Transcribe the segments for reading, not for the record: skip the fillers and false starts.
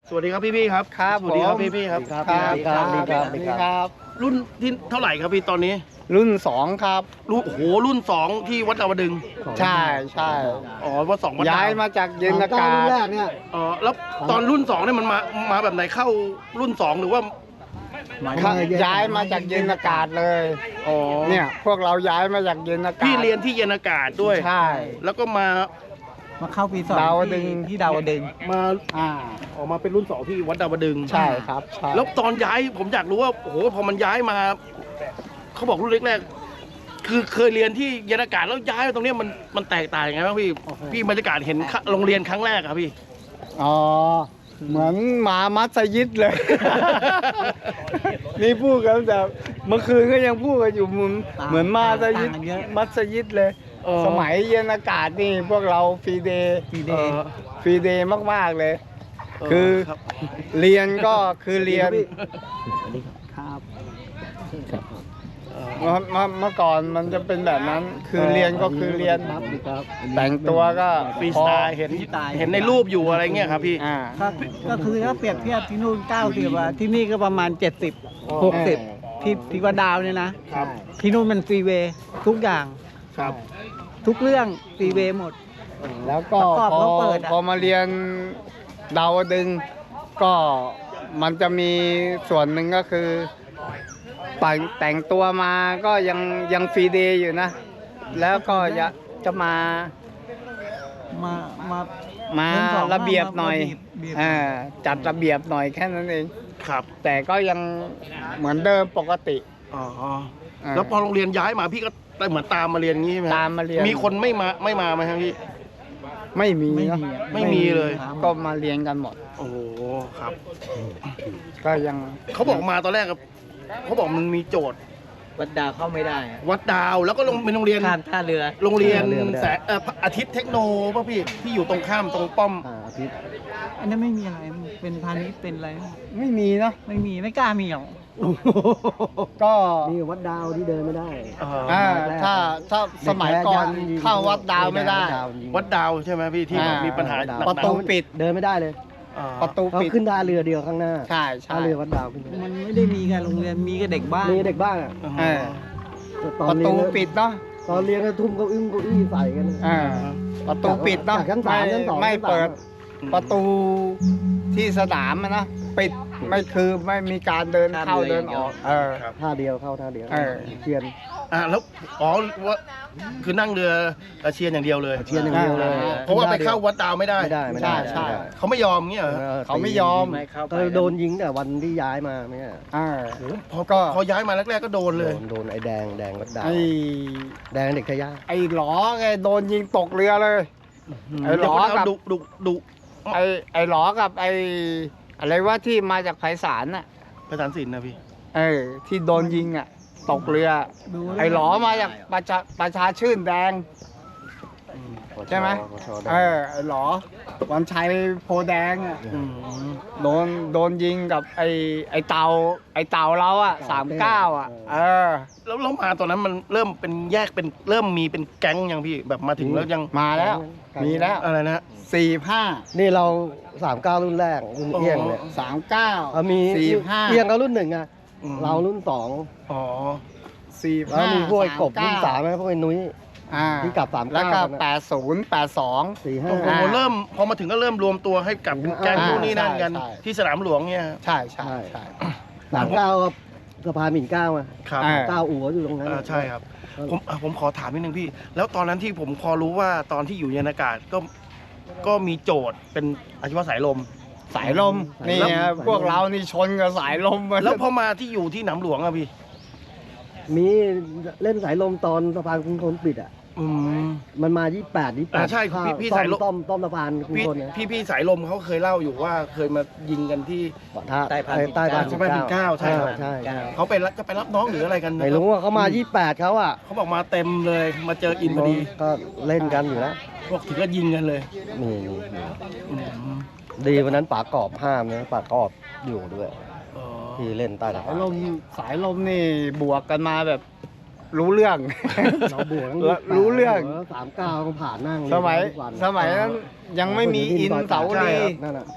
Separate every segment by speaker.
Speaker 1: สวัสดีครับพี่ครับ
Speaker 2: ครับ
Speaker 1: สวัสดีครับพี่ครับ
Speaker 2: ครับ
Speaker 1: รุ่นที่เท่าไหร่ครับพี่ตอนนี้
Speaker 2: รุ่น2ครับ
Speaker 1: รุ่นโอ้โหรุ่น2ที่วัดดาวดึงส์
Speaker 2: ใช่
Speaker 1: อ๋อวัด2วัดดาว
Speaker 2: ย้ายมาจากเย็นอากาศ
Speaker 3: แรกเนี่ย
Speaker 1: อ๋อแล้วตอนรุ่น2เนี่ยมันมาแบบไหนเข้ารุ่น2หรือว่า
Speaker 2: ย้ายมาจากเย็นอากาศเลย
Speaker 1: อ๋อ
Speaker 2: เนี่ยพวกเราย้ายมาจากเย็นอากาศ
Speaker 1: พี่เรียนที่เย็นอากาศด้วย
Speaker 2: ใช่
Speaker 1: แล้วก็มา
Speaker 3: เข้าปี2
Speaker 2: ดาวดึงส์
Speaker 3: ที่ดาวดึงส์
Speaker 1: มา
Speaker 2: อ่า
Speaker 1: ออกมาเป็นรุ่น2ที่วัดดาวดึงส์
Speaker 2: ใช่ครับใช่
Speaker 1: แล้วตอนย้ายผมอยากรู้ว่าโอ้โหพอมันย้ายมาเขาบอกรุ่นแรกๆคือเคยเรียนที่เย็นอากาศแล้วย้ายมาตรงเนี้ยมันแตกต่างยังไงบ้างพี่บรรยากาศเห็นโรงเรียนครั้งแรกครับพี่
Speaker 2: อ๋อเหมือนหมามัสยิดเลย นี่พูดกันแต่เมื่อคืนก็ยังพูดกันอยู่เหมือนมัสยิดเลย สมัยเย็นอากาศนี่พวกเราฟรีเดย์ฟรีเดย์มากๆเลย คือ
Speaker 1: ครับ
Speaker 2: เรียนก็คือเรียน
Speaker 3: ครับ
Speaker 2: เมื่อก่อนมันจะเป็นแบบนั้น คือเรียนก็คือเรียน แต่งตัวก็
Speaker 1: ฟรีสไตล์เห็นในรูปอยู่อะไรเงี้ยครับพี่
Speaker 3: ก็คือถ้าเปรียบเทียบที่นู่น90อ่ะที่นี่ก็ประมาณ70 60ที่ว่าดาวเนี่ยนะครับ ที่นู่นมันฟรีเวย์ทุกอย่าง
Speaker 1: ครับ
Speaker 3: ทุกเรื่องฟรีเวย์หมด
Speaker 2: แล้วก็
Speaker 3: ประกอบเขาเปิดอะ
Speaker 2: พอมาเรียนดาวดึงส์ก็มันจะมีส่วนหนึ่งก็คือแต่งตัวมาก็ยังฟรีเดย์อยู่นะ แล้วก็จะมา
Speaker 3: มา
Speaker 2: มาระเบียบหน่อย
Speaker 3: เบียบ
Speaker 2: จัดระเบียบหน่อยแค่นั้นเอง
Speaker 1: ครับ
Speaker 2: แต่ก็ยังเหมือนเดิมปกติ
Speaker 1: อ๋อแล้วพอโรงเรียนย้ายมาพี่ก็เหมือนตามมาเรียนอย่างงี้ไหม
Speaker 2: ตามมาเรียน
Speaker 1: มีคนไม่มาไหมครับพี่
Speaker 2: ไม่มี
Speaker 3: ไม่
Speaker 2: เนอะ
Speaker 3: มีอะ
Speaker 1: ไม่มีเลย
Speaker 2: ก็มาเรียนกันหมด
Speaker 1: โอ้โหครับ
Speaker 2: ก็ยัง
Speaker 1: เขาบอกมาตอนแรกครับเขาบอกมันมีโจทย์
Speaker 3: วัดดาวเข้าไม่ได้อะ
Speaker 1: วัดดาวแล้วก็เป็นโรงเรียน
Speaker 3: ข้ามท่าเรือ
Speaker 1: โรงเรียนพระอาทิตย์เทคโนป่ะพี่ที่อยู่ตรงข้ามตรงป้อม
Speaker 3: อันนั้นไม่มีอะไรเป็นพาณิชย์เป็นอะไร
Speaker 2: ไม่มีเนอะ
Speaker 3: ไม่กล้ามีหรอก
Speaker 2: ก็
Speaker 4: นี่วัดดาวที่เดินไม่ได้
Speaker 2: ถ้าสมัยก่อนเข้าวัดดาวไม่ได้
Speaker 1: วัดดาวใช่ไหมพี่ที่แบบมีปัญหา
Speaker 2: ประ
Speaker 1: หนักๆ
Speaker 2: ตูปิด
Speaker 4: เดินไม่ได้เลย
Speaker 1: อ่า
Speaker 2: ประตู
Speaker 4: เขา
Speaker 2: ปิด
Speaker 4: ขึ้นท่าเรือเดียวข้างหน้า
Speaker 2: ใช่ใช่
Speaker 4: ท่าเรือวัดดาวขึ้นไป
Speaker 3: มันไม่ได้มีการโรงเรียนมีกับเด็กบ้าน
Speaker 4: มีเด็กบ้านอ่ะ
Speaker 2: เออ
Speaker 4: ตอ
Speaker 2: ป
Speaker 4: น
Speaker 2: ระ
Speaker 4: เรีย
Speaker 2: ตู
Speaker 4: น
Speaker 2: ปิดเนาะ
Speaker 4: ตอนเรียนก็ทุ่มเก้าอี้ใส่กัน
Speaker 2: ประตูปิดเนาะ
Speaker 4: จากชั้นสามชั้นสอง
Speaker 2: ไม่
Speaker 4: ชั้นสาม
Speaker 2: เปิดประตูที่สนามอะนะปิดไม่มีการเดินเข้าเดินออก
Speaker 4: ท่าเดียวเข้าท่าเดียว
Speaker 2: เออ
Speaker 4: เชียน
Speaker 1: แล้วว่าคือนั่งเรือเชียร์อย่างเดียวเลย
Speaker 4: เชียนอย่างเดียวเลย
Speaker 1: เพราะว่าไปเข้าวัดดาวไม่ได้
Speaker 4: ไม่ได้ไม่ได้
Speaker 2: ใช่
Speaker 1: เขาไม่ยอมเงี้ยเหรอ
Speaker 2: เขาไม่ยอม
Speaker 4: ก็โดนยิงแต่วันที่ย้ายมาไม่ใช่
Speaker 1: พอย้ายมาแรกๆก็โดนเลย
Speaker 4: โดนไอ้แดงวัดดาว
Speaker 2: ไอ้
Speaker 4: แดงเด็กชายา
Speaker 2: ไอ้หลอไงโดนยิงตกเรือเลย ไอ้หลอกับ
Speaker 1: ดุ
Speaker 2: ไอ้หลอกับไอ้อะไรว่าที่มาจากไพศาลน่ะ
Speaker 1: ประธานศิลป์นะพี่
Speaker 2: ที่โดนยิงอ่ะตกเรือ ไอ้หลอมาจากประชาชื่นแดง ใช่ไหม ไอ้หลอวันชัยโพแดงอ่ะโดนยิงกับไอ้เต่าเราอ่ะ39อ่ะ
Speaker 1: แล้วมาตอนนั้นมันเริ่มเป็นแยกเป็นเริ่มมีเป็นแก๊งยังพี่แบบมาถึงแล้วยัง
Speaker 2: มาแล้ว มีแล้ว
Speaker 1: อะไรนะ
Speaker 2: 45
Speaker 4: นี่เรา39รุ่นแรกรุ่นเอี้ยงเนี่ย
Speaker 2: 39
Speaker 4: มี
Speaker 2: 45
Speaker 4: เอี้ยงก็รุ่นหนึ่งอ่ะ
Speaker 1: อืม
Speaker 4: เรารุ่นสอง
Speaker 1: อ๋อ
Speaker 4: แล้วมีพวกไอ้กบรุ่น
Speaker 2: 39
Speaker 4: สามไหมพวกไอ้นุ้ย ที่กลับ39
Speaker 2: แล้วก็
Speaker 4: กันนะ
Speaker 2: 80 82
Speaker 4: 4
Speaker 1: โอ้โห
Speaker 4: 5
Speaker 1: เริ่มพอมาถึงก็เริ่มรวมตัวให้กับเป็นแก๊งพวกนี้นั่นกัน
Speaker 2: ใช่
Speaker 1: ที่สนามหลวงเนี่ย
Speaker 2: ใช่
Speaker 4: 39สะพานหมิ่นเกล้าอ่ะ
Speaker 1: ครับ
Speaker 4: เก้าอู่อยู่ตรงนั้น
Speaker 1: ใช่ครับผมขอถามนิดนึงพี่ แล้วตอนนั้นที่ผมพอรู้ว่าตอนที่อยู่เย็นอากาศก็มีโจทย์เป็นอาชีวะสายลม
Speaker 2: สายลมนี่ไงพวกเรานี่ชนกับสายลมมา
Speaker 1: แล้วพอมาที่อยู่ที่หนามหลวงอะพี่
Speaker 4: มีเล่นสายลมตอนสะพานกรุงทนปิดอ่ะ
Speaker 1: อืม
Speaker 4: มันมา28
Speaker 1: ใช่พี่สายลม
Speaker 4: ต้อมสะพานกรุง
Speaker 1: พี่
Speaker 4: ทนนะ
Speaker 1: พี่สายลมเขาเคยเล่าอยู่ว่าเคยมายิงกันที่
Speaker 4: ใต้พาน
Speaker 1: ใต้พาน19ใช่ครับ
Speaker 4: ใช่
Speaker 1: เขาไปจะไปรับน้องหรืออะไรกันนะ
Speaker 4: ไม่รู้ว่าเขามา28เขาอ่ะ
Speaker 1: เขาบอกมาเต็มเลยมาเจออินพอดี
Speaker 4: ก็เล่นกันอยู่แล้ว
Speaker 1: พวกถึงก็ยิงกันเลย
Speaker 4: นี่
Speaker 1: อืม
Speaker 4: ดีวันนั้นป่ากรอบห้ามนะป่ากรอบอยู่ด้วย
Speaker 1: อ๋อ
Speaker 4: ที่เล่นใต้สะพาน
Speaker 2: สายลมนี่บวกกันมาแบบรู้เรื่อง
Speaker 4: เราบวก
Speaker 2: รู้เรื่อง
Speaker 4: 39ผ่านนั่ง
Speaker 2: สมัย
Speaker 4: ทุกวัน
Speaker 2: นั้นยังไม่มีอินเสา
Speaker 1: ใช่
Speaker 2: ลี
Speaker 1: ครับ
Speaker 4: นั่นน่ะ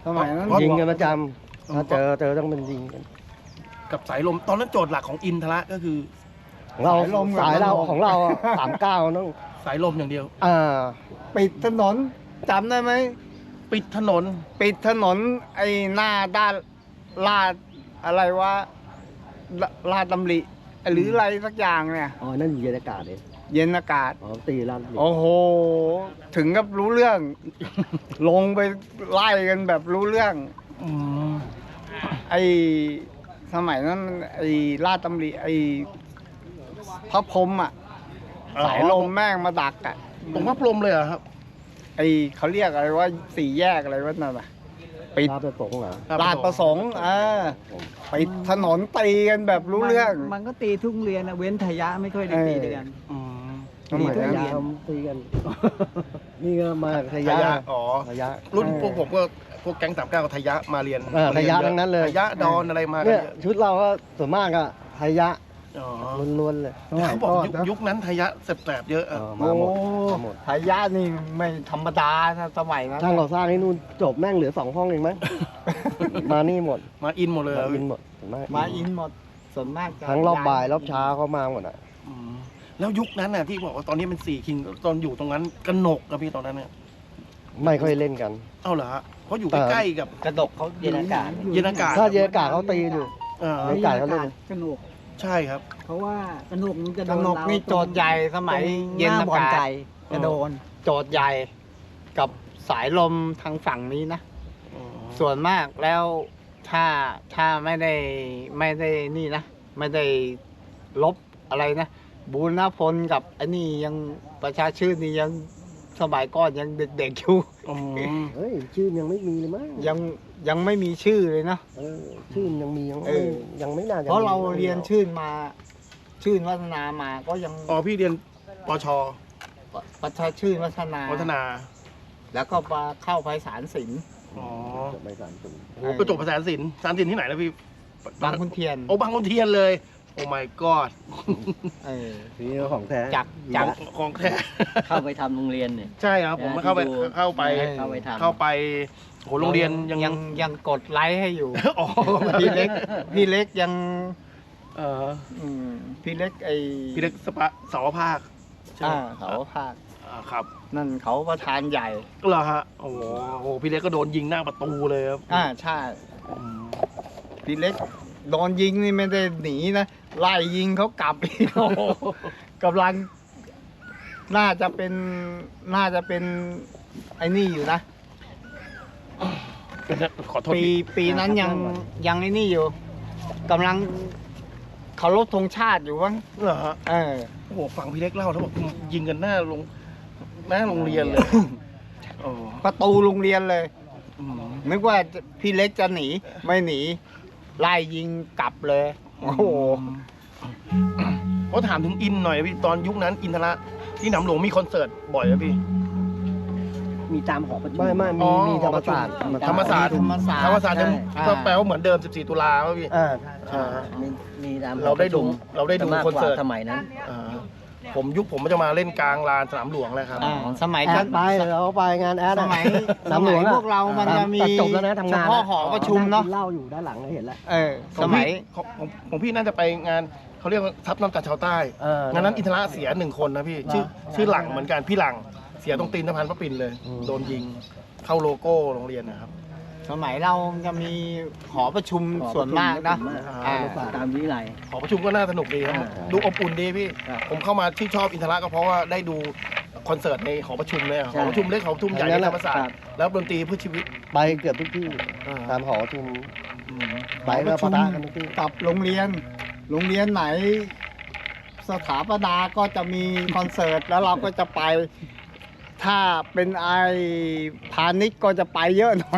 Speaker 2: สมัยนั้น
Speaker 4: ยิงกันประจำถ้าเจอต้องเป็นยิงกัน
Speaker 1: กับสายลมตอนนั้นโจทย์หลักของอินทระก็คือ
Speaker 4: ของเราสายเราของเรา39ต้อง
Speaker 1: สายลมอย่างเดียว
Speaker 2: ปิดถนนจำได้ไหม
Speaker 1: ปิดถนน
Speaker 2: ปิดถนนไอ้หน้าด้านลาดอะไรวะลาดตำริหรืออะไรสักอย่างเนี่ย
Speaker 4: อ๋อนั่นอยู่เย็นอากาศเอง
Speaker 2: เย็นอากาศ
Speaker 4: อ๋อตีลั่น
Speaker 2: โอ้โห ถึงกับรู้เรื่อง ลงไปไล่กันแบบรู้เรื่อง
Speaker 1: อืม
Speaker 2: ไอ้สมัยนั้นไอ้ลาดตำริไอ้พระพรหมอ่ะสายลมแม่งมาดักอ่ะ
Speaker 1: ตรงพระพรหมเลยเหรอครับ
Speaker 2: ไอ้เขาเรียกอะไรว่าสี่แยกอะไรวะนั่นอ่ะปิด
Speaker 4: ลาดประสงค์เหรอ
Speaker 2: ลาดประสงค์ปิดถนนตีกันแบบรู้เรื่อง
Speaker 3: มันก็ตีทุกโรงเรียนนะเว้นทยะไม่ค่อยได้ตีด้วยกัน
Speaker 1: อืม
Speaker 2: สมัยนั้น
Speaker 4: ยามตีกัน นี่ก็มาท
Speaker 1: ท
Speaker 4: ยะ
Speaker 1: ยะอ๋อ
Speaker 4: ทยะ
Speaker 1: รุ่นพวกผมก็พวกแก๊ง39กับทยะมาเรียน
Speaker 4: ทยะทั้งนั้นเลย
Speaker 1: ทยะดอนอะไรมากั
Speaker 4: เนี่ย
Speaker 1: เยอะ
Speaker 4: ชุดเราก็ส่วนมากอะทยะ
Speaker 1: อ๋อ
Speaker 4: ล้วนๆเลย
Speaker 2: สมัย
Speaker 1: เขาบอก
Speaker 2: ก่อน
Speaker 1: ยุคนั้นทยะแสบๆเยอะอะ
Speaker 4: มาหมด
Speaker 2: โอ้
Speaker 4: มาหมด
Speaker 2: ทายาทนี่ไม่ธรรมดานะสมัยนั้น
Speaker 4: ช่างก่อสร้างนี่นู่นจบแม่งเหลือ2 ห้องเองมั้ง มานี่หมด
Speaker 1: มาอินหมดเลย
Speaker 4: มา
Speaker 1: เหรอ
Speaker 4: อินหมดส่วนมาก
Speaker 2: มาอินหมดส่วนมากจะ
Speaker 4: ทั้งรอบบ่ายรอบเช้าเขามาหมดอ่ะ
Speaker 1: อืมแล้วยุคนั้นน่ะที่บอกว่าตอนนี้เป็น4 คิงตอนอยู่ตรงนั้นกนกกับพี่ตอนนั้นเนี่ย
Speaker 4: ไม่ค่อยเล่นกัน
Speaker 1: เอ้าเหรอฮะเพราะอยู่ใกล้ๆกับ
Speaker 2: กระดกเขาเย็นอากาศ
Speaker 1: เย็นอากาศ
Speaker 4: ถ้าเย็นอากาศเขาตีอยู่
Speaker 1: เออ
Speaker 4: เย็นอากาศเขาเล่น
Speaker 3: กระหนก
Speaker 1: ใช่ครับ
Speaker 3: เพราะว่ากระหนกมันจะโด
Speaker 2: กระ
Speaker 3: น
Speaker 2: นก
Speaker 3: เรา
Speaker 2: นี่โจทย์ใหญ่สมัย
Speaker 3: ตรง
Speaker 2: เย็น
Speaker 3: ห
Speaker 2: อา
Speaker 3: บ่อน
Speaker 2: กาศ
Speaker 3: ไก่จะโดน
Speaker 2: โจทย์ใหญ่กับสายลมทางฝั่งนี้นะ ส่วนมากแล้วถ้าไม่ได้นี่นะ ไม่ได้ลบอะไรนะ บูรณพลกับอันนี้ยังประชาชื่นนี่ยังสมัยก่อนยังเด็กๆอยู่
Speaker 1: อืม
Speaker 4: เฮ้ยชื่อยังไม่มีเลยมั้ง
Speaker 2: ยังไม่มีชื่อเลยนะ
Speaker 4: ชื่อยังมียัง
Speaker 2: เอ
Speaker 4: ไม่
Speaker 2: อ
Speaker 4: ยังไม่น่าจะ
Speaker 2: เพราะเรา
Speaker 4: มี
Speaker 2: เรียนชื่นมา ชื่นวัฒนามาก็ยัง
Speaker 1: อ๋อพี่เรียนปช
Speaker 2: ประชาชื่นวัฒนา
Speaker 1: วัฒนา
Speaker 2: แล้วก็มาเข้าไพศาลศิลป์
Speaker 1: อ๋อ
Speaker 4: จบไม่สารสูง
Speaker 1: โอ้ประจบภาษาศิลป์สารศิลป์ที่ไหนแล้วพี่
Speaker 2: บางขุนเทียน
Speaker 1: โอ้บางขุนเทียนเลย โอ้ my god
Speaker 2: เออ
Speaker 4: นี่ของแท้
Speaker 2: จาก
Speaker 1: ของแท้
Speaker 5: เข้าไปทำโรงเรียนเนี่ย
Speaker 1: ใช่ครับผมเข้าไป
Speaker 5: ที่ดู
Speaker 1: เข้าไป
Speaker 5: เข้าไปทำ
Speaker 1: เข้าไปโหโรงเรียนยัง
Speaker 2: ยังกดไลค์ให้อยู่
Speaker 1: อ๋อ
Speaker 2: พี่เล็กยัง
Speaker 1: เออ
Speaker 2: พี่เล็กไอ
Speaker 1: พี่เล็กเสาวภาคใช่ไหม
Speaker 2: เขาภาค
Speaker 1: ครับ
Speaker 2: นั่นเขาประธานใหญ่
Speaker 1: เหรอฮะโอ้โหพี่เล็กก็โดนยิงหน้าประตูเลยครับ
Speaker 2: ใช่พี่เล็กโดนยิงนี่ไม่ได้หนีนะไล่ยิงเขากลับอีกโอ้โหกำลังน่าจะเป็นไอ้นี่อยู่นะ
Speaker 1: ขอโทษ
Speaker 2: ปีนั้นยังไอ้นี่อยู่กำลังเคารพธงชาติอยู่วะ
Speaker 1: เหรอฮะ
Speaker 2: เออ
Speaker 1: โอ้โหฟังพี่เล็กเล่าแล้วบอกยิงกันหน้าโรงเรียนเลยโอ้
Speaker 2: ประตูโรงเรียนเลย
Speaker 1: อืม
Speaker 2: นึกว่าพี่เล็กจะหนีไม่หนีไล่ยิงกลับเลย โอ้โห
Speaker 1: เขาถามถึงอินหน่อยพี่ตอนยุคนั้นอินทระที่หนำหลวงมีคอนเสิร์ตบ่อยไหมพี่
Speaker 5: มีตามหอประชุม
Speaker 4: ไม่
Speaker 1: อ๋อ
Speaker 4: มีธรรมศาสตร์
Speaker 1: ธรรมศาสตร์
Speaker 2: ธรรมศาสตร์
Speaker 1: ธรรมศาสตร์จะ
Speaker 2: ใช่
Speaker 1: ก็แปลว่าเหมือนเดิม 14 ตุลาป่ะพี่
Speaker 4: ใช่
Speaker 5: มีตามหอ
Speaker 1: เราได้ดู
Speaker 5: ประชุม
Speaker 1: เราได้ดู
Speaker 5: มาก
Speaker 1: คอน
Speaker 5: กว่า
Speaker 1: เสิร์ต
Speaker 5: สมัยนั้น
Speaker 1: อ่าผมจะมาเล่นกลางลานสนามหลวงแล้วครับ
Speaker 2: สมัย
Speaker 4: แอ
Speaker 2: กั
Speaker 4: ด
Speaker 2: น
Speaker 4: ไปเราไปงานแอด
Speaker 2: ส
Speaker 4: อะ
Speaker 2: มัย
Speaker 4: สนามหลวงอะ
Speaker 2: พวกเรามันจะมี
Speaker 4: ตัดจบแล้วนะทำงาน
Speaker 2: เฉพาะหอประชุมเนาะ
Speaker 4: เหล้าอยู่ด้านหลังเห็นแล้ว
Speaker 2: สมัย
Speaker 1: ของพี่น่าจะไปงานเขาเรียกว่าทับน้ำจากชาวใต้ งานนั้นอินทระเสีย1 คนนะพี่ ชื่อหลังเหมือนกันพี่หลังเสียตรงตีนสะพานพระปิ่นเลย โดนยิงเข้าโลโก้โรงเรียนนะครับ
Speaker 2: สมัยเราจะมีหอประชุมส่วนมากนะ
Speaker 1: อ่า
Speaker 5: ตามวิไล
Speaker 1: หอประชุมก็น่าสนุกดีครับ ดูอบอุ่นดีพี่
Speaker 5: ครับ
Speaker 1: ผมเข้ามาที่ชอบอินทระก็เพราะว่าได้ดูคอนเสิร์ตในหอประชุมเลยหอประชุมเล็กหอประชุมใหญ่ในธรรมศาสตร์แล้วดนตรีเพื่อชีวิต
Speaker 4: ไปเกือบทุกที่ตามหอประชุมไป
Speaker 2: หอป
Speaker 4: ก็
Speaker 2: ระ
Speaker 4: ปะ
Speaker 2: ชุม
Speaker 4: ทะกันทุกที่
Speaker 2: กับโรงเรียนไหน สถาปนาก็จะมีคอนเสิร์ตแล้วเราก็จะไป ถ้าเป็นไอพาณิชย์ก็จะไปเยอะหน่อย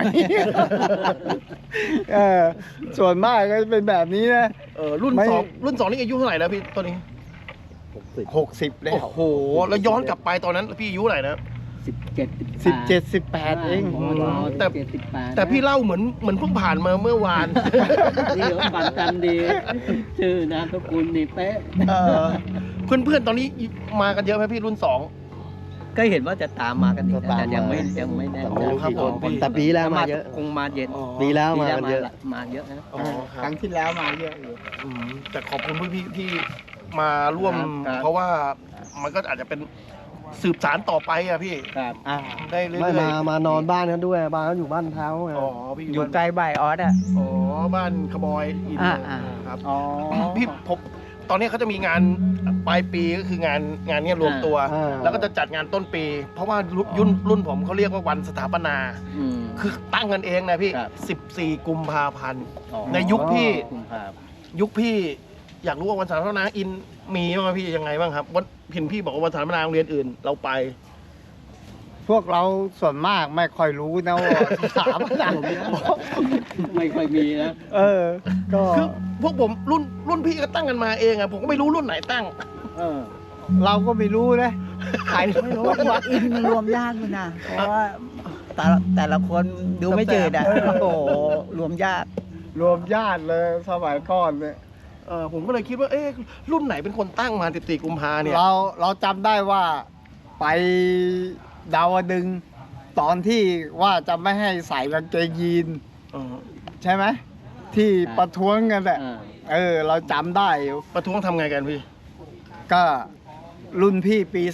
Speaker 2: ส่วนมากก็จะเป็นแบบนี้นะ
Speaker 1: รุ่น
Speaker 2: ไม่
Speaker 1: 2นี่อายุเท่าไหร่แล้วพี่ตอนนี้
Speaker 2: 60แล้ว
Speaker 1: โอ้โหแล้วย้อนกลับไปตอนนั้นพี่อายุเท่าไหร่นะ
Speaker 5: 17
Speaker 2: 17-18 เอง
Speaker 1: แต่ แต่พี่เล่าเหมือนเพิ่งผ่านมาเมื่อวาน
Speaker 5: นี่เขาฝันจำดี ชื่อนามสกุลนี่เป๊ะ
Speaker 1: เพื่อนๆตอนนี้มากันเยอะไหมพี่รุ่น 2
Speaker 5: ก็เห็นว่าจะตามมากันอีกนะ
Speaker 4: จะตาม
Speaker 5: แต่ยังไม่
Speaker 4: มา
Speaker 5: ยังไม่แน่
Speaker 4: แต่
Speaker 5: ใจ
Speaker 1: ครับผม
Speaker 4: แต่ปีแล้วมาเยอะ
Speaker 5: คงมาเย็น
Speaker 1: อ๋อ
Speaker 4: ปีแล้วมากันเยอะ
Speaker 5: มาเยอะนะ
Speaker 1: อ๋อค
Speaker 3: ค
Speaker 1: รั
Speaker 3: รั้
Speaker 1: บ
Speaker 3: งที่แล้วมาเยอะอยู่
Speaker 1: แต่ขอบคุณพี่ๆที่มาร่วม
Speaker 5: ครับ
Speaker 1: เพราะว่ามันก็อาจจะเป็นสืบสารต่อไปอะพี่
Speaker 5: ครับ
Speaker 1: ได้เรื่อย
Speaker 4: ไม่
Speaker 1: ๆ
Speaker 4: มานอนบ้านกันด้วยบ้านเขาอยู่บ้านเท้าไง
Speaker 1: อ๋อพี่
Speaker 3: อยู่ใกล้บ่ายออสอ่ะ
Speaker 1: อ๋อบ้านขบอยอิน
Speaker 3: อ่า
Speaker 1: ครับ
Speaker 3: อ๋อ
Speaker 1: พี่ผมตอนนี้เขาจะมีงานปลายปีก็คืองานเนี้ยรวมตัว แล้วก็จะจัดงานต้นปี เพราะว่ารุ่นผมเขาเรียกว่าวันสถาปนา
Speaker 5: อืม
Speaker 1: คือตั้งกันเองนะพี่
Speaker 5: ครับ
Speaker 1: 14 กุมภาพันธ์
Speaker 5: อ๋อ
Speaker 1: ในยุคพี่
Speaker 5: กุมภาพันธ์
Speaker 1: ยุคพี่อยากรู้ว่าวันสถาปนาอินมีบ้างไหมพี่ยังไงบ้างครับวันเห็นพี่บอกว่าวันสถาปนาโรงเรียนอื่นเราไป
Speaker 2: พวกเราส่วนมากไม่ค่อยรู้นะว่าถามอะไร
Speaker 5: ไม่ค่อยมีนะ
Speaker 2: ก็
Speaker 1: คือพวกผมรุ่นพี่ก็ตั้งกันมาเองอะผมก็ไม่รู้รุ่นไหนตั้ง
Speaker 5: เออ
Speaker 2: เราก็ไม่รู้นะใคร
Speaker 3: ไม่รู้ว่าอินมันรวมยากอยู่นะเพราะว่าแต่ละคนดูไม่เจออ่ะโอ้โหรวมยาก
Speaker 2: รวมญาติเลยสมัยก่อนเนี่ย
Speaker 1: ผมก็เลยคิดว่าเอ๊ะรุ่นไหนเป็นคนตั้งมา14 กุมภาเนี่ย
Speaker 2: เราจำได้ว่าไปดาวดึงส์ตอนที่ว่าจะไม่ให้ใส่กางเกงยีน
Speaker 1: เออ
Speaker 2: ใช่ไหมที่ประท้วงกันแหละ เราจำได้อยู่
Speaker 1: ประท้วงทำไงกันพี่
Speaker 2: ก็รุ่นพี่ปี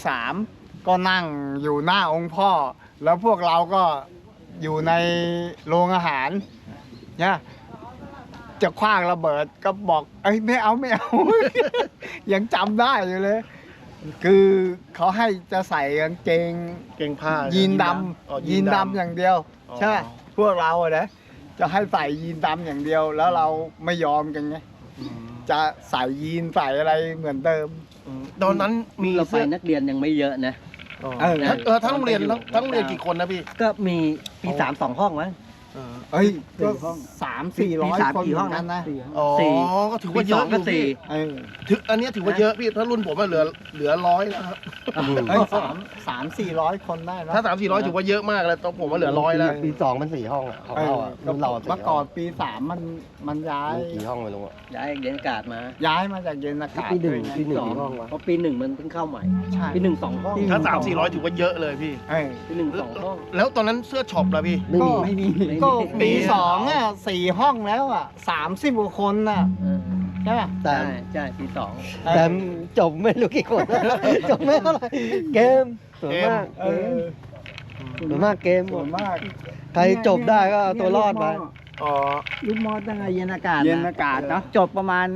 Speaker 2: 3 ก็นั่งอยู่หน้าองค์พ่อ แล้วพวกเราก็อยู่ในโรงอาหารเนี่ยจะคว้างระเบิดก็บอกเอ้ยไม่เอา ยังจำได้อยู่เลย คือเขาให้จะใส่กางเกง
Speaker 1: เก่งผ้า
Speaker 2: ยีนด
Speaker 1: อ๋อ
Speaker 2: ำยีนดำอย่างเดียว
Speaker 1: อ๋อ
Speaker 2: ใช่ไหมพวกเราอะนะจะให้ใส่ยีนดำอย่างเดียว แล้วเราไม่ยอมกันไง
Speaker 1: อืม
Speaker 2: จะใส่ยีนใส่อะไรเหมือนเดิม
Speaker 1: ตอนนั้นมี
Speaker 5: เราไปนักเรียนยังไม่เยอะนะ
Speaker 1: ทั้งโรงเรียนทั้งโรงเรียนกี่คนนะพี่
Speaker 5: ก็มีปี3 2 ห้องมั้ง
Speaker 2: เฮ้ยก็
Speaker 3: 4 ห้อง
Speaker 2: 300-400 คน
Speaker 3: กี่ห้อง
Speaker 2: เหมื
Speaker 3: นะ
Speaker 2: นะ
Speaker 1: อ๋อ
Speaker 5: สี่
Speaker 1: ก็ถือว่าเยอะ
Speaker 5: ปี 2 ก็
Speaker 1: อยู่พี่
Speaker 5: 4
Speaker 2: เออ
Speaker 1: อันเนี้ยถือว่าเยอะพี่ถ้ารุ่นผมอะเหลือ100แล้วครับ
Speaker 2: เฮ้ย300-400 คนได้นะ
Speaker 1: ถ้า300-400ถือว่าเยอะมากแล้วตอนผมว่าเหลือ100แล้ว
Speaker 4: ปี2มัน4 ห้องอ่ะของเราอ่ะรุ่นเราอะ
Speaker 2: เมื่อก่อนปี 3 มันย้าย
Speaker 4: กี่ห้องไม่รู้อ่ะ
Speaker 5: ย้ายเรียนอากาศมา
Speaker 2: ย้ายมาจากเย็นอากาศ
Speaker 4: ปีหนึ่ง
Speaker 2: ด้วยไ
Speaker 4: ปีหนึ่ง
Speaker 5: สอง
Speaker 4: กี่ห้องวะ
Speaker 5: เพราะปี 1มันเพิ่งเข้าใหม่
Speaker 2: ใช่
Speaker 5: ปี 1 2 ห้อง
Speaker 1: ถ้า300-400ถือว่าเยอะเลยพี่
Speaker 2: เออ
Speaker 5: ปี 1 2 ห้อง
Speaker 1: แล้วตอนนั้นเสื้อช็อปล่ะพี่
Speaker 4: ไม่มี
Speaker 3: ไม่มี
Speaker 2: ก็ปี2อ่ะ4 ห้องแล้วอ่ะ30 กว่าคนน่ะ
Speaker 5: เออ
Speaker 2: ใช่ป่ะ
Speaker 4: แต่
Speaker 5: ใช่ปี
Speaker 4: แต่จบไม่รู้กี่คน จบไม่เท่าไหร่เกมส่วนมาก
Speaker 2: เออ
Speaker 4: ส่วนมากเกมหม
Speaker 2: ส่ว
Speaker 4: ด
Speaker 2: นมาก
Speaker 4: ใครจบได้ก็เอาตัวรอดไป
Speaker 1: อ๋อ
Speaker 3: ลูกมอตั้งแต่เย็นอากาศ
Speaker 2: เย็นอากาศเนอะ
Speaker 3: จบประมาณ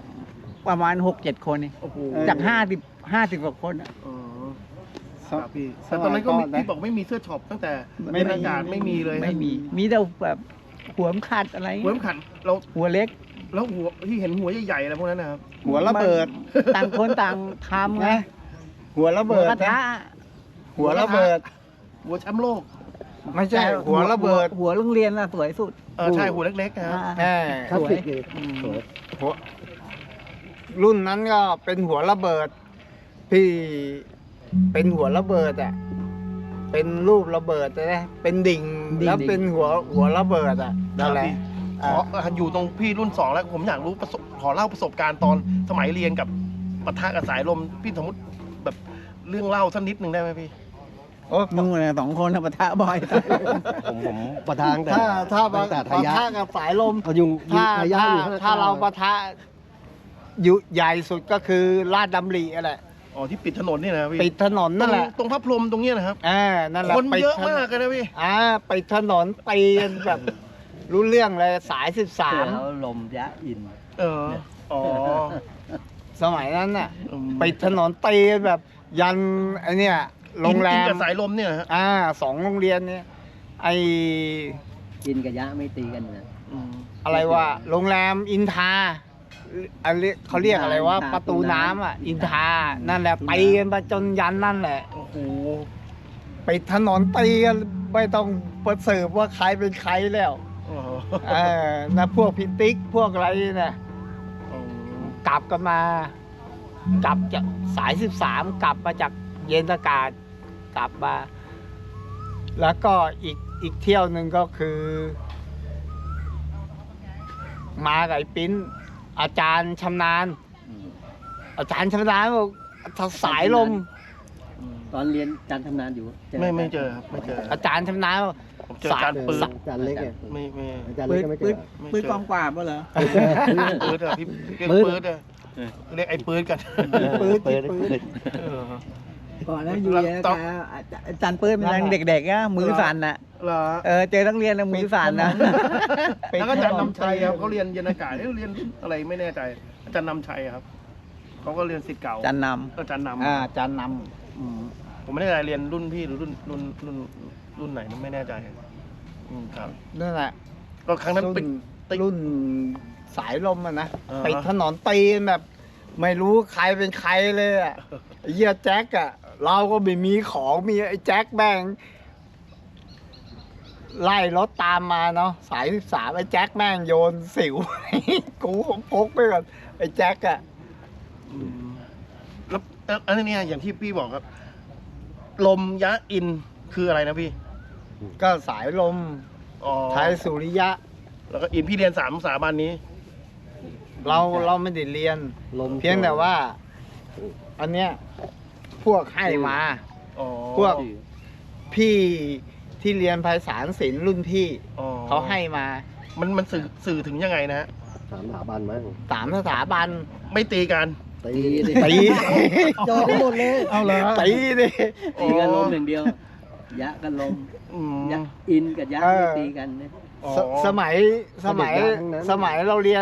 Speaker 3: 6-7 คนนี่
Speaker 1: โอ้โห
Speaker 3: จาก 50 กว่าคนอะ
Speaker 1: อ๋อครับพี่แต่ตอนนั้นก็มีพี่บอกไม่มีเสื้อช็อปตั้งแต่ไม่อากาศไม่มีเลย
Speaker 3: ไม่มี มีแต่แบบหัวมนขัดอะไร
Speaker 1: หัวขันเรา
Speaker 3: หัวเล็ก
Speaker 1: แล้วหัวที่เห็นหัวใหญ่ๆอะไรพวกนั้นนะครับ
Speaker 2: หัวระเบิด
Speaker 3: ต่างคนต่างทำไง
Speaker 2: นะหัวระ
Speaker 3: หัว
Speaker 2: เบิด
Speaker 3: กระทะ
Speaker 2: นะหัวระเบิด
Speaker 1: หัวแชมป์โลก
Speaker 2: ไม่ใช่หัวระเบิด
Speaker 3: หัวโรงเรียนน่ะสวยสุด
Speaker 1: ใช่หัวเล็กๆนะครับ
Speaker 2: แน่
Speaker 4: คลาสสิกเลยสวย
Speaker 2: หัวรุ่นนั้นก็เป็นหัวระเบิดที่เป็นหัวระเบิดอ่ะเป็นรูประเบิดนะเป็นดิ่ง
Speaker 3: ดิ่ง
Speaker 2: แล้วเป็นหัวระเบิดอ่ะนั่นแหละ
Speaker 1: อยู่ตรงพี่รุ่น 2 แล้วผมอยากรู้ขอเล่าประสบการณ์ตอนสมัยเรียนกับปะทะกับสายลมพี่สมมติแบบเรื่องเล่าสักนิดหนึ่งได้ไหมพี่
Speaker 2: โอ้
Speaker 3: นู่นน่ะ2 คนน่ะปะทะบ่อย
Speaker 4: ผมประทางแต่
Speaker 2: ถ้า
Speaker 4: ตั้งแต่
Speaker 2: ปะ
Speaker 4: ทายะ
Speaker 2: ทะกับสายลม
Speaker 4: เอายุง
Speaker 2: ถ้า
Speaker 4: ทายะอยู่ข้ง
Speaker 2: ถ้าเราปะทะอยู่ใหญ่สุดก็คือลาดดำริอะไร
Speaker 1: อ๋อที่ปิดถนนนี่นะพี่
Speaker 2: ปิดถนนนั่นแหละ
Speaker 1: ตรงพระพรหมตรงเนี้ยนะครับ
Speaker 2: นั่นแหละ
Speaker 1: คน
Speaker 2: ปิด
Speaker 1: เยอะ
Speaker 2: ถนน
Speaker 1: มากเลยนะพี่
Speaker 2: ปิดถนนตีกันแบบ รู้เรื่องเลยสาย
Speaker 5: แล้วลมยะอิน
Speaker 1: อ๋อ
Speaker 2: 13 สมัยนั้นน่ะ
Speaker 1: อืม
Speaker 2: ปิดถนนตีกันแบบยันไอเนี่ยโรงแร
Speaker 1: อิน
Speaker 2: ม
Speaker 1: กับสายลมเนี่ยนะฮะ
Speaker 2: 2 โรงเรียนเนี่ยไอ
Speaker 5: อินกับยะไม่ตีกันนะ
Speaker 2: อะไรวะโรงแรมอินทาอะไรเขาเรียกอะไรว่าประตูน้ำอ่ะ อินทานั่นแหละตีกันไปจนยันนั่นแหละ
Speaker 1: โอ้โห
Speaker 2: ปิดถนนตีกันไม่ต้องประเสริฐว่าใครเป็นใครแล้ว
Speaker 1: อ๋อ
Speaker 2: นะพวกพิติกพวกอะไรเนี่ยกลับกันมา กลับจากสาย 13 กลับมาจากเย็นอากาศกลับมา แล้วก็อีกเที่ยวหนึ่งก็คือ มากับไอ้ปิ้นอาจารย์ชำนาญ
Speaker 5: อืม
Speaker 2: อาจารย์ชำนาญบอกถ้าสายลม
Speaker 5: ตอนเรียนจันทำนานอยู่
Speaker 1: ไม่เจอครับไม่เจอ
Speaker 2: อาจารย์ชำนาญ
Speaker 1: ผมเจออาจารย์ปืน
Speaker 4: จานเล็กไง
Speaker 1: ไม่
Speaker 4: อาจารย์
Speaker 3: ปื
Speaker 4: เล็ก
Speaker 3: น
Speaker 4: ก็ไม่เจ
Speaker 3: ปื
Speaker 4: อน
Speaker 3: ปืนกองกว่าบ่เหรอ
Speaker 1: ปืนอะพี่เรียกปืนอะเรียกไอ้ปืนกัน
Speaker 3: ปืน
Speaker 4: เปิด
Speaker 3: ปืน
Speaker 1: เออ
Speaker 3: ก่อนนั้นอยู่
Speaker 1: แล้ว
Speaker 3: เนี่ย
Speaker 1: ต้อง
Speaker 3: อาจารย์ปืนมันยังเด็กๆนะมือสั่นน่ะ
Speaker 1: เหรอ
Speaker 3: เจอนักเรียนนะมือสั่นนะ
Speaker 1: แล้วก็อาจารย์นำชัยครับเขาเรียนยนต์อากาศเรียนอะไรไม่แน่ใจอาจารย์นำชัยครับเขาก็เรียนศิษย์เก่า
Speaker 3: อาจารย์น
Speaker 1: อาจารย์น
Speaker 3: ำอาจารย์น
Speaker 1: ำผมไม่แน่ใจเรียนรุ่นพี่หรือรุ่นไหนไม่แน่ใจครับ
Speaker 2: ำนั่นแหละ
Speaker 1: ก็ครั้งนั้น
Speaker 2: รุ่
Speaker 1: ปิด
Speaker 2: น
Speaker 1: ติด
Speaker 2: รุ่นสายลมอะนะ
Speaker 1: อ่าฮะ
Speaker 2: ปิดถนนตีนแบบ ไม่รู้ใครเป็นใครเลยอะไอ้เหี้ยแจ็คอะเราก็ไม่มีของมีไอ้แจ็คแบงไล่รถตามมาเนาะสาย13ไอ้แจ็คแม่งโยนสิว กูพกไปก่อนไอ้แจ็คอะ
Speaker 1: แล้วอันนี้อย่างที่พี่บอกครับ ลมยะอินคืออะไรนะพี่
Speaker 2: ก็สายลม
Speaker 1: อ๋อ
Speaker 2: ไทยสุริยะ
Speaker 1: แล้วก็อินพี่เรียน3 สถาบันนี้
Speaker 2: เราไม่ได้เรียน
Speaker 4: ลม
Speaker 2: เพียงแต่ว่า อันเนี้ยพวกให้มา
Speaker 1: อ๋อ
Speaker 2: พวกพี่ที่เรียนภาษาศิลป์รุ่นพี่
Speaker 1: อ๋อ
Speaker 2: เขาให้มา
Speaker 1: มันสื่อถึงยังไงนะฮะ
Speaker 4: สามสถาบันมั้ง
Speaker 2: 3 สถาบัน
Speaker 1: ไม่ตีกัน
Speaker 4: ตี
Speaker 2: ตี
Speaker 4: จอดหมดเลย
Speaker 2: เอาเลยตีดิ
Speaker 5: ตีกันลมอย่างเดียว ยะกันลม
Speaker 1: อืม
Speaker 5: ยะอินกับยะไม่ตีกันนะ
Speaker 1: อ๋อ
Speaker 2: สมัยเราเรียน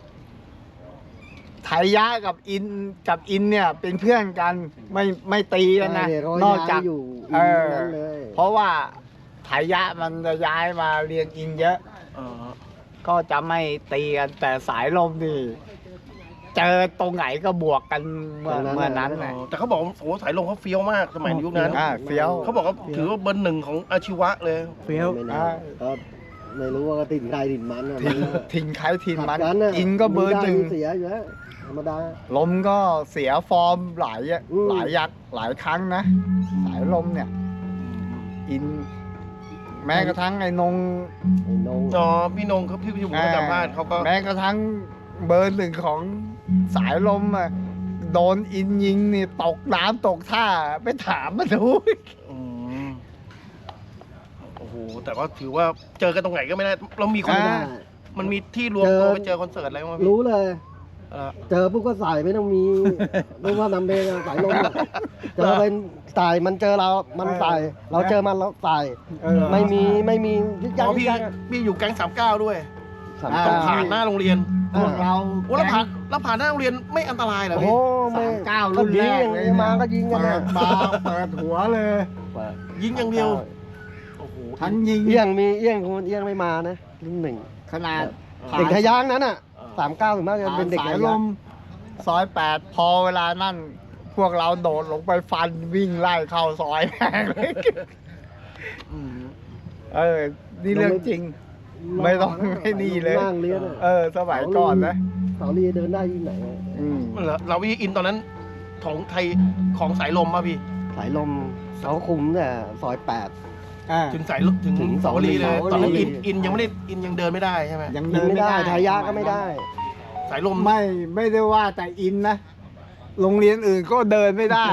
Speaker 2: ไทยยะกับอินเนี่ยเป็นเพื่อนกันไม่ตีกันนะ
Speaker 4: ใช่
Speaker 2: นอกจาก
Speaker 4: อยู่
Speaker 2: เออ
Speaker 4: นั้นเลย
Speaker 2: เพราะว่าไทยยะมันจะย้ายมาเรียนอินเยอะ
Speaker 1: อ๋อ
Speaker 2: ก็จะไม่ตีกันแต่สายลมนี่ เจอตรงไหนก็บวกกันเมื่อนั้น
Speaker 1: อ๋
Speaker 2: นะ
Speaker 1: อแต่เขาบอกว่าโอ้สายลมเขาเฟี้ยวมากสมัยยุคนั้น
Speaker 2: เฟี้ยว
Speaker 1: เขาบอกว่าถือว่าเบอร์ 1ของอาชีวะเลย
Speaker 3: ำเฟี้ยว
Speaker 4: ไม่แน่ก็ไม่รู้ว่าติดใครติดมันอะ
Speaker 2: ทิ้งใครทิ้งมัน
Speaker 4: ขัดะ
Speaker 2: อินก็เบอร์
Speaker 4: มื
Speaker 2: 1
Speaker 4: ได้มือเสียอยู่แล้วธรรมดา
Speaker 2: ลมก็เสียฟอร์มหลาย
Speaker 4: อืม
Speaker 2: หลายครั้งนะ สายลมเนี่ย อิน แม้กระทั่งไอ้นง
Speaker 4: ไอ้นง
Speaker 1: อ๋อพี่นงเขาพี่ผมก็สัมภาษณ์เขาก็
Speaker 2: แม้กระทั่งเบอร์ 1ของสายลมอ่ะโดนอินยิงนี่ตกน้ำตกท่าไปถามมาดู
Speaker 1: อืมโอ้โหแต่ว่าถือว่าเจอกันตรงไหนก็ไม่ได้เรามีคน
Speaker 2: อ่า
Speaker 1: มันมีที่รวมตัวไปเจอคอนเสิร์ตอะไรมั้งพี่
Speaker 4: รู้เลย
Speaker 1: เออ
Speaker 4: เจอปุ๊บก็ใส่ไม่ต้องมีไม่ว่านำเพลงอะสายลมอะเจอเป็นใส่มันเจอเรา มันใส่ เราเจอมันเราใส่
Speaker 2: เออ
Speaker 4: ไม่มียึดยั
Speaker 1: อ๋
Speaker 4: ง
Speaker 1: อพี่อยู่แก๊ง39ด้วย
Speaker 4: สาม
Speaker 2: อ่า
Speaker 1: ต้
Speaker 4: เก้า
Speaker 1: องผ่านหน้าโรงเรียน
Speaker 2: พวกเรา
Speaker 1: โอ้แล้วผ่านหน้าโรงเรียนไม่อันตรายเหรอ
Speaker 4: โอ้
Speaker 1: พี่
Speaker 4: ไม่
Speaker 2: 39รุ่นแรกเลย
Speaker 4: มาก็ยิงกันนะ
Speaker 2: เปิดหัวเลย
Speaker 1: ยิงอย่างเดียวโอ้โห
Speaker 2: ทั้งยิง
Speaker 4: เอี้ยงมีเอี้ยงคนเอี้ยงไม่มานะรุ่นหนึ่ง
Speaker 2: ขนาด
Speaker 4: เด็กทะยางนั้นอ่ะ39ถึงมากจะเป็นเด็ก
Speaker 2: สา
Speaker 4: ทะ
Speaker 2: ยล
Speaker 4: ยาง
Speaker 2: มซอย 8 พอเวลานั่น พวกเราโดดลงไปฟันวิ่งไล่เข้าซอยแม่งเลย
Speaker 1: อืม
Speaker 2: นี่เรื่องจริง ไม่ต้องให้นี่เลย
Speaker 4: นั่งเรียนอะ
Speaker 2: สมัยก่อนนะ
Speaker 4: เสาลีเดินได้ที่ไหนอะ
Speaker 2: อืม
Speaker 1: เหรอเราวิอินตอนนั้นของไทยของสายลมป่ะพี่
Speaker 4: สายลมเสาคุมเนี่ยซอย8
Speaker 1: ถึงสายลมถึง
Speaker 4: ถึง
Speaker 1: สาวรีเลย
Speaker 4: สาวรี
Speaker 1: ตอนนั้นอินยังไม่ได้อินยังเดินไม่ได้ใช่ไหม
Speaker 2: ยัง
Speaker 4: ยิ
Speaker 2: เดิ
Speaker 4: ง
Speaker 2: น
Speaker 4: ไม่
Speaker 2: ไม่
Speaker 4: ได้
Speaker 2: ได้
Speaker 4: ทายาก็ไม่ได้
Speaker 1: สายลม
Speaker 2: ไม่ได้ว่าแต่อินนะ โรงเรียนอื่นก็เดินไม่ได้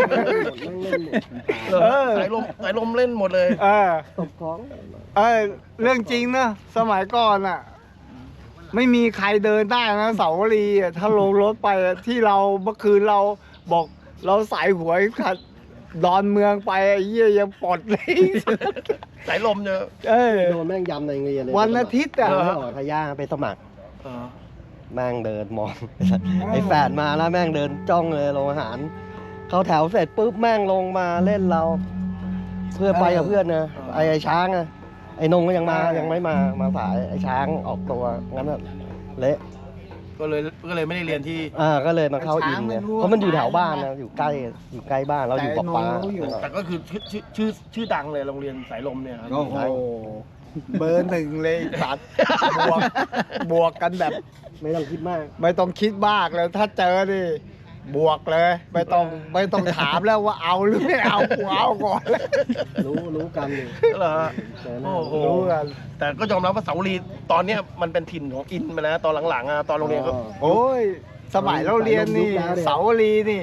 Speaker 1: สายลมเล่นหมดเลย
Speaker 4: ตบของ
Speaker 2: เรื่องจริงนะสมัยก่อนอ่ะ ไม่มีใครเดินได้นะเสาวรีอะถ้าลงรถไปอะที่เราเมื่อคืนเราบอกเราใส่หัวขัดดอนเมืองไปไอ้เหี้ยยังปลดเลย
Speaker 1: สายลมเนี่ย
Speaker 4: โดนแม่งยำในโรงเรียนเลย
Speaker 2: วันอาทิตย์อ่ะ
Speaker 4: ไม่ออกทายาไปสมัคร
Speaker 1: เออ
Speaker 4: แม่งเดินมอง ไอ้แฝดมาแล้วแม่งเดินจ้องเลยโรงอาหาร เข้าแถวเสร็จปุ๊บแม่งลงมาเล่นเรา เพื่อไปกับเพื่อนนะไอ้ช้างอะไอ้นงก็ยังไม่มาสายไอ้ช้างออกตัวงั้นอะเละ
Speaker 1: ก็เลยไม่ได้เรียนที่
Speaker 4: ก็เลยมาเข้าอินเนี่ยเพราะมันอยู่แถวบ้านนะอยู่ใกล้บ้านเราอยู่ปะปา
Speaker 1: แต่ก็คือชื่อดังเลยโรงเรียนสายลมเนี่ยครับ
Speaker 2: โอ้โหเบอร์ 1เลยสัตว์บวกกันแบบ
Speaker 4: ไม่ต้องคิดมาก
Speaker 2: ไม่ต้องคิดมากเลยถ้าเจอดิบวกเลย ไม่ต้องถามแล้วว่าเอาหรือไม่เอากูเอาก่อน
Speaker 4: รู้กันอยู่
Speaker 1: เหรอฮะ
Speaker 4: เจอหน้า
Speaker 1: โอ้โห
Speaker 2: รู้กัน
Speaker 1: แต่ก็ยอมรับว่าเสาวรีตอนเนี้ยมันเป็นถิ่นของอินไปแล้วตอนหลังๆอะตอนโรงเรียนก็
Speaker 2: โอ้ยสมัยเราเรียนนี่เสาวรีนี่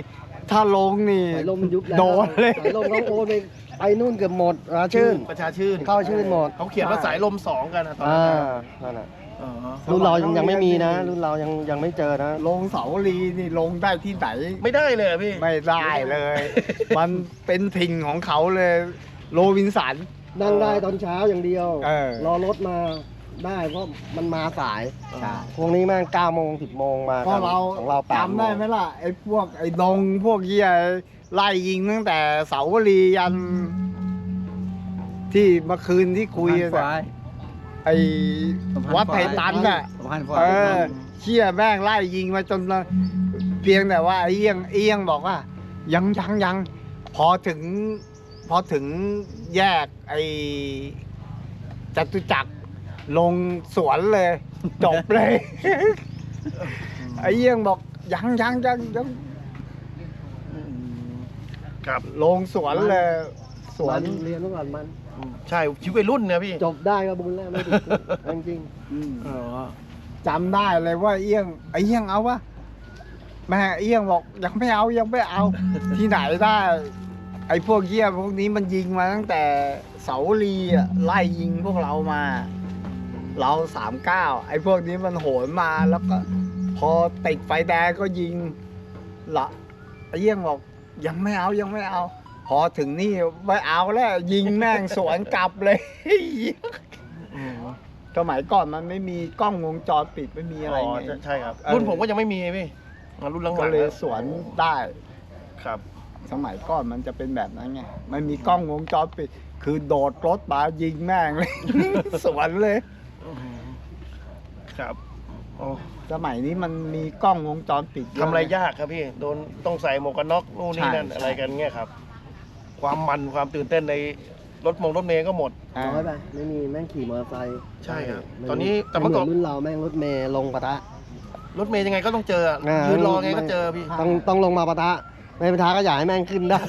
Speaker 2: ถ้าลงนี่
Speaker 4: สายลมมันยุบแล้ว
Speaker 2: โดนเลย
Speaker 4: สายลมเขาโอนไปนู่นเกือบหมดราชื่น
Speaker 1: ประชาชื่น
Speaker 4: เข้าชื่นหมด
Speaker 1: เขาเขียนว่าสายลม2กันนะตอน
Speaker 4: อ่า
Speaker 1: นั้น
Speaker 4: นั่นแหละ
Speaker 1: อ๋อ
Speaker 4: รุ่นเรายังไม่มีนะ รุ่นเรายังไม่เจอนะ
Speaker 2: ลงเสาลีนี่ลงได้ที่ไหน
Speaker 1: ไม่ได้เลยอะพี่
Speaker 2: ไม่ได้เลย มันเป็นถิ่นของเขาเลย โรบินสัน
Speaker 4: นั่งได้ตอนเช้าอย่างเดียว
Speaker 2: เออ
Speaker 4: รอรถมาได้เพราะมันมาสาย
Speaker 2: ใช่
Speaker 4: พวกนี้แม่ง9 โมง 10 โมงมา
Speaker 2: เพราะเรา
Speaker 4: ของเรา8
Speaker 2: จำได้ไหมล่ะ ไอ้พวกไอ้ดงพวกเหี้ยไล่ยิงตั้งแต่เสาวรียัน ที่เมื่อคืนที่คุย
Speaker 3: สะพาน
Speaker 2: อะ
Speaker 3: ฝ่าย
Speaker 2: ไอ้วัดไผ่ตันน่ะ
Speaker 3: สะพานฝ่า
Speaker 2: เอย อเชี่ยแม่งไล่ยิงมาจนเพียงแต่ว่าไอ้เอี้ยงบอกว่า ยังพอถึงแยกไอ้จตุจักรลงสวนเลย จบเลย ไอ้เอี้ยงบอกยัง
Speaker 1: ครับ
Speaker 2: ลงสวนเลยสวน
Speaker 4: เรียนเมื่อก่อนมัน
Speaker 1: ใช่ชีวิตวัยรุ่นเนี่ยพี่
Speaker 4: จบได้ก็บุญแล้วไม่ติดคุกจริง
Speaker 1: อ๋อ
Speaker 2: จำได้เลยว่าไอ้เอี้ยงเอาวะแม่เอี้ยงบอกยังไม่เอา ที่ไหนได้ ไอ้พวกเหี้ยพวกนี้มันยิงมาตั้งแต่เสาลีอ่ะไล่ยิงพวกเรามา เรา39ไอ้พวกนี้มันโหนมาแล้วก็ พอติดไฟแดงก็ยิงละไอ้เอี้ยงบอกยังไม่เอา พอถึงนี่ไม่เอาแล้วยิงแม่งสวนกลับเลย
Speaker 1: อืม
Speaker 2: สมัยก่อนมันไม่มีกล้องวงจรปิดไม่มีอะไร
Speaker 1: อ๋อ
Speaker 2: ไง
Speaker 1: ใช่ครับ
Speaker 2: เออ
Speaker 1: รุ่นผมก็ยังไม่มีพี่รุ่นหลังๆ
Speaker 2: ก็เลย
Speaker 1: แล้ว
Speaker 2: สวนได้
Speaker 1: ครับ
Speaker 2: สมัยก่อนมันจะเป็นแบบนั้นไงไม่มีกล้องวงจรปิด คือโดดรถมายิงแม่งเลย สวนเลย
Speaker 1: ครับโอ้
Speaker 2: สมัยนี้มันมีกล้องวงจรปิดเย
Speaker 1: ทำอะไรยากครับพี่โดนต้องใส่หมวกกันน็อกนู่นนี่นั่น
Speaker 2: ใช่
Speaker 1: อะไรกันเงี้ยครับ ความมันความตื่นเต้นในรถเมย์ก็หมด
Speaker 2: อ่า
Speaker 4: น้อยไปไม่มีแม่งขี่มอเตอร์ไซค์
Speaker 1: ใช่ครับ
Speaker 4: ไม่
Speaker 1: ตอนนี้แต่
Speaker 4: ไม่
Speaker 1: เมื่อ
Speaker 4: เหมื
Speaker 1: ก่อน
Speaker 4: อนรุ่นเราแม่งรถเมล์ลงปะทะ
Speaker 1: รถเมย์ยังไงก็ต้องเจออะ
Speaker 4: อ่ายื
Speaker 1: ยืนรอไงก็เจอพี่
Speaker 4: ต้องลงมาปะทะไม่ปะทะก็อย่าให้แม่งขึ้นได้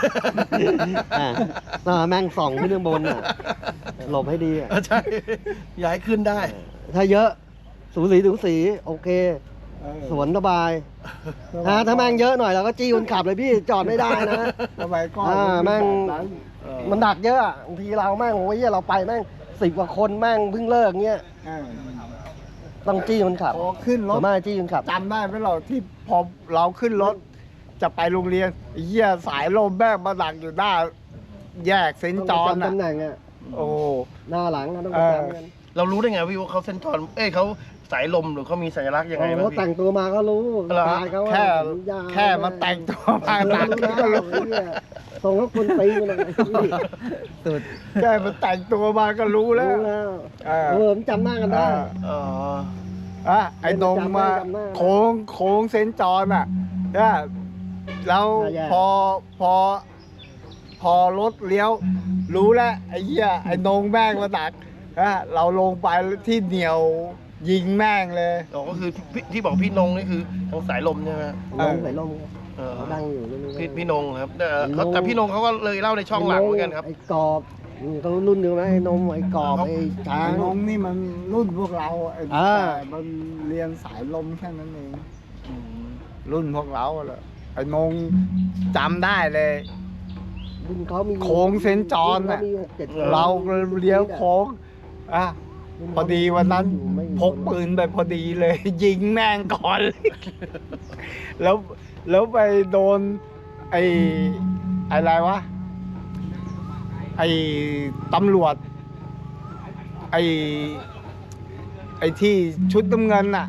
Speaker 4: แม่งส่องขึ้นข้างบนอ่ะหลบให้ดีอะ
Speaker 1: ใช่ ย้ายขึ้นได้
Speaker 4: ถ้าเยอะสูสีโอเค สวนสบายถ้าแม่งเยอะหน่อยเราก็จี้คนขับเลยพี่จอดไม่ได้นะ
Speaker 2: สมัยก่อน
Speaker 4: แม่ง
Speaker 2: แบบนั้น
Speaker 4: มันดักเยอะอะบางทีเราแม่งโอ้ยเราไปแม่ง10 กว่าคนแม่งเพิ่งเลิกเงี้ย
Speaker 2: อ่า
Speaker 4: ต้องจี้คนขับ
Speaker 2: พอขึ้นร
Speaker 4: ส่
Speaker 2: ถ
Speaker 4: วนมากจี้คนขับ
Speaker 2: จำได้ไหมเราที่พอเราขึ้นรถ จะไปโรงเรียนไอ้เหี้ยสายลมแม่งมาดักอยู่หน้า แยกเซนต์จอห์น
Speaker 4: ต้องประจำ
Speaker 2: อ่ะ
Speaker 4: ตำแหน่งอ่ะ
Speaker 2: โอ้
Speaker 4: หน้าหลังอะต้องประจำกัน
Speaker 1: เรารู้ได้ไงพี่ว่าเขาเส้นจรเขาสายลมหรือเขามีสัญลักษณ์ยังไงบ้าง
Speaker 4: เขาแต่
Speaker 1: พี่
Speaker 4: งตัวมาก็รู้
Speaker 1: เหรอ
Speaker 4: ตายเขาว่า
Speaker 2: แค่มันแต่งตัวมาดัก
Speaker 4: รู้
Speaker 2: ก็
Speaker 4: แล้ว
Speaker 2: รู้
Speaker 4: เนี่ยส่งเขาคนตีมันเลย
Speaker 3: สุด
Speaker 2: แค่มันแต่งตัวมาก็รู้แล้ว
Speaker 4: รู้แล้ว
Speaker 2: อ่า
Speaker 4: ผมจำหน้ากันได้
Speaker 1: อ๋อ
Speaker 2: ไอ้นงมา
Speaker 4: จำได้
Speaker 2: โค้งเซนต์จอห์นอ่ะเนี่ยแล้ว
Speaker 4: น่าแย่
Speaker 2: พอรถเลี้ยว รู้แล้วไอ้เหี้ยไอ้นงแม่งมาดักเราลงไปที่เหนียวยิงแม่งเลย
Speaker 1: อ๋อก็คือที่บอกพี่นงนี่คือทางสายลมใช่ไหม
Speaker 4: ลงใส่ลม
Speaker 1: เออ
Speaker 4: เขาดังอยู่เรื่องนี้
Speaker 1: พี่นงครับแต่พี่นงเขาก็เลยเล่าในช่องหลังเหมือนกันครับ
Speaker 4: ไอ้กรอบเขารุ่นเดียวไหมไอ้นมไอ้กรอบไอ้ช้า
Speaker 2: ไอ้
Speaker 4: ง
Speaker 2: นงนี่มันรุ่นพวกเราไอ้
Speaker 4: อ่า
Speaker 2: แต่มันเรียนสายลมแค่นั้นเองรุ่นพวกเราแหละไอ้นงจำได้เลย
Speaker 4: รุ่นเขามี
Speaker 2: โค้งเซนต์จอห์น
Speaker 4: รุ่
Speaker 2: น่ะ
Speaker 4: เขามี6-7คน
Speaker 2: เราเลี้ยวโค้งพอดีวันนั้น
Speaker 4: ไม่มี
Speaker 2: พกปืนไปพอดีเลย ยิงแม่งก่อน แล้วไปโดน ไอ้อะไรวะ ไอ้ตำรวจ ไอ้ที่ชุดน้ำเงินน่ะ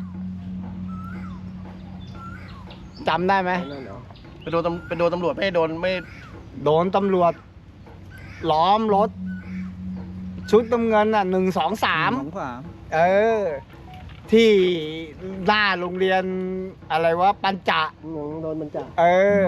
Speaker 2: จำได้ไหม
Speaker 4: นั่นเหรอ
Speaker 1: ไปโดนตำรวจไม่โดนไม่
Speaker 2: โดนตำรวจล้อมรถ ชุดน้ำเงินน่ะ1 2
Speaker 3: สาม
Speaker 2: 3 เออ ที่หน้าโรงเรียนอะไรวะปัญจะ
Speaker 4: หนูโดนมันจับ
Speaker 2: เออ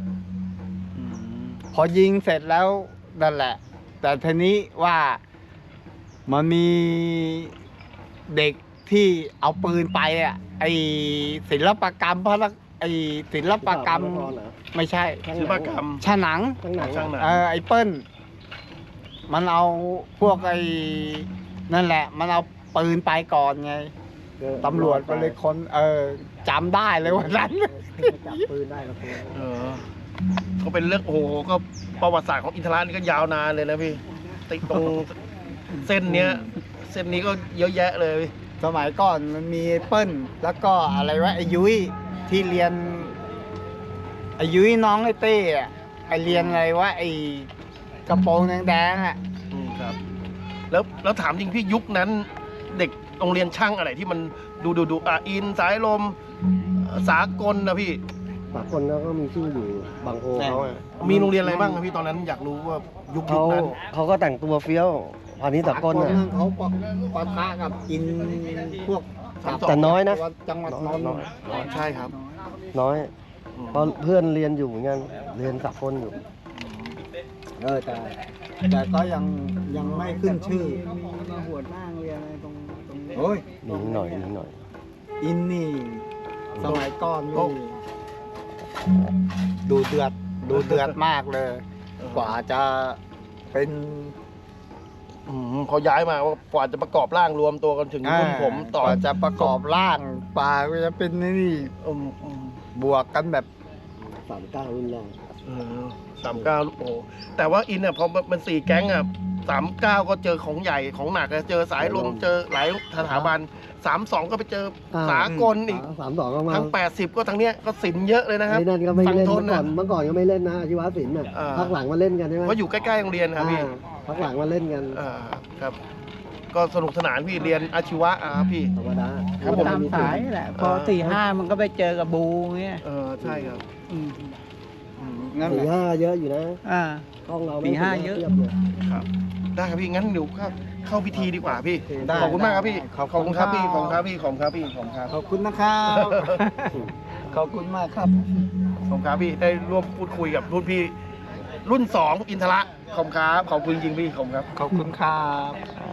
Speaker 2: พอยิงเสร็จแล้วนั่นแหละ แต่ทีนี้ว่ามันมีเด็กที่เอาปืนไปอ่ะ ไอศิลปกรรมไอศิลปกรรม
Speaker 4: นครเหรอ
Speaker 2: ไม่ใช่
Speaker 1: ศิลปกรรม
Speaker 2: ฉะหนัง
Speaker 4: ข้างหนัง
Speaker 1: ช่างหนัง
Speaker 2: ไอเปิ้ลมันเอาพวกไอ้นั่นแหละ มันเอาปืนไปก่อนไงตำรวจก็เลยคนจำได้เลยวันนั้น
Speaker 4: จับปืนได้กับตัว
Speaker 1: เออก็เป็นเรื่องโอ้โหก็ประวัติศาสตร์ของอินทรานี่ก็ยาวนานเลยนะพี่ติดตรงเส้นเนี้ก็เยอะแยะเลย
Speaker 2: สมัยก่อนมันมีเปิ้ลแล้วก็อะไรวะไอ้ยุ้ยที่เรียนไอ้ยุ้ยน้องไอ้เต้อะไอ้เรียนอะไรวะไอ้กระโปรงแดงๆอ่ะ
Speaker 1: ครับแล้วถามจริงพี่ยุคนั้นเด็กโรงเรียนช่างอะไรที่มันดูอินสายลมสากลนะพี่
Speaker 4: ปากคนแล้วก็มีชื่ออยู่บางโพเขาอะ
Speaker 1: มีโรงเรียนอะไรบ้างครับพี่ตอนนั้นอยากรู้ว่ายุค
Speaker 4: เขา
Speaker 1: นั้น
Speaker 4: เขาก็แต่งตัวเฟี้ยวพาณิชย์สากล
Speaker 2: คน
Speaker 4: น่ะ
Speaker 2: นึงเขาปะทะกับอินพวก
Speaker 4: แต่น้อยนะ
Speaker 2: จังหวัดนนท์
Speaker 1: อ๋อใช่ครับ
Speaker 4: น้อยเพราะเพื่อนเรียนอยู่เหมือนกันเรียนสากลอยู่
Speaker 2: แต่ก็ยังไม่ขึ้นชื่อ
Speaker 3: มีมาหัวหน้าเรียนอะไรตรงนี้
Speaker 2: โอ้ย
Speaker 4: นิดหน่อยนิดหน่อย
Speaker 2: อินนี่สมัยก่อนนี่ดูเดือดมากเลย กว่าจะเป็น
Speaker 1: เขาย้ายมาว่ากว่าจะประกอบร่างรวมตัวกันถึงรุ่นผมต่อก
Speaker 2: ว่าจะประกอบร่างป่าก็จะเป็นนี่ บวกกันแบบ
Speaker 4: 39รุ่นแรก
Speaker 1: 39โอ้โหแต่ว่าอินเนี่ยพอมัน4แก๊งอ่ะ39ก็เจอของใหญ่ของหนักอะเจอสายลมเจอหลายสถาบัน32ก็ไปเจอสากลอีก
Speaker 4: 32ก็มา
Speaker 1: ทั้ง80ก็ทั้งเนี้ยก็สินเยอะเลยนะครับ
Speaker 4: ไอ้นั่นก็ไม่เล่น
Speaker 1: ฝั่งท
Speaker 4: เมื่อก่อนก็ไม่เล่นนะอาชีวศิลป์น่ะ
Speaker 1: อ่า
Speaker 4: พักหลังมาเล่นกันใช่ไหม
Speaker 1: เพราะอยู่ใกล้ๆโรงเรียนครับพี่
Speaker 4: พักหลังมาเล่นกัน
Speaker 1: ครับ ก็สนุกสนานพี่เรียนอาชีวะครับพี่
Speaker 4: ธรรมดา
Speaker 1: ครับผม
Speaker 3: ตามสายแหละ พอ4-5มันก็ไปเจอกับบูเงี้ย
Speaker 1: ใช่ครับ
Speaker 2: นั่นแหละ
Speaker 4: 4-5เยอะอยู่นะ
Speaker 3: อ่า
Speaker 4: ห้องเรา
Speaker 3: 4-5เยอะ
Speaker 4: ทีบล
Speaker 1: ครับได้ครับพี่งั้นเดี๋ยวเข้าพิธีดีกว่าพี่
Speaker 2: ได้
Speaker 1: ขอบคุณมากครับพี่
Speaker 2: ขอบ
Speaker 1: ขอบ
Speaker 2: คุ
Speaker 1: คุณ
Speaker 2: ณ
Speaker 1: ครับพี่
Speaker 2: ครับ
Speaker 1: ขอบคุณครับพี่ขอบคุณครับพี่ขอบคุณครับ
Speaker 2: ขอบคุณนะครับ ขอบคุณมากครับ
Speaker 1: ขอบคุณครับพี่ได้ร่วมพูดคุยกับรุ่นพี่รุ่น2อินทระขอบคุณครับขอบคุณจริงๆพี่ขอบคุณครับ
Speaker 2: ขอบคุณครับ